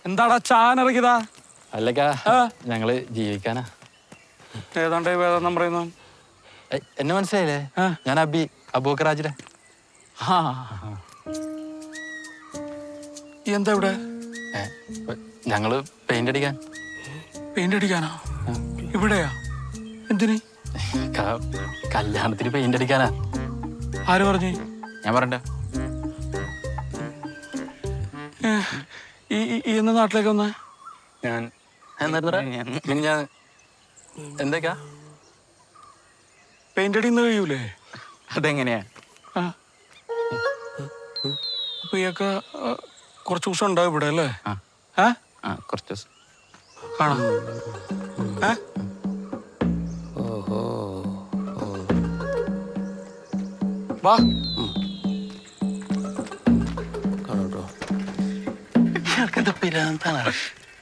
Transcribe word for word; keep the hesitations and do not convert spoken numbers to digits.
എന്താടാ ചാനിറങ്ങിയതാ? അല്ലക്ക ഞങ്ങള് ജീവിക്കാനാ. ഏതാണ്ട് വേദം പറയുന്നു. എന്നെ മനസ്സിലായില്ലേ? ഞാൻ അബി, അബൂക്കറാജിലെ. എന്താ ഇവിടെ? ഞങ്ങള് പെയിന്റ് അടിക്കാൻ. പെയിന്റ് അടിക്കാനാ? ഇവിടെയാ? എന്തിന്? കല്യാണത്തിന് പെയിന്റ് അടിക്കാനാ. ആര് പറഞ്ഞു? ഞാൻ പറഞ്ഞ ഈ എന്ന നാട്ടിലേക്ക് വന്നേ? ഞാൻ ഞാൻ എന്തൊക്കെയാ പെയിന്റ് അടിന്ന് കഴിയൂലേ? അതെങ്ങനെയാ? അപ്പൊ ഇയൊക്കെ കുറച്ച് ദിവസം ഉണ്ടാവും ഇവിടെ അല്ലേ? കുറച്ച് ദിവസം കാണാം. വാ. എന്താ പിരാന്താണ്?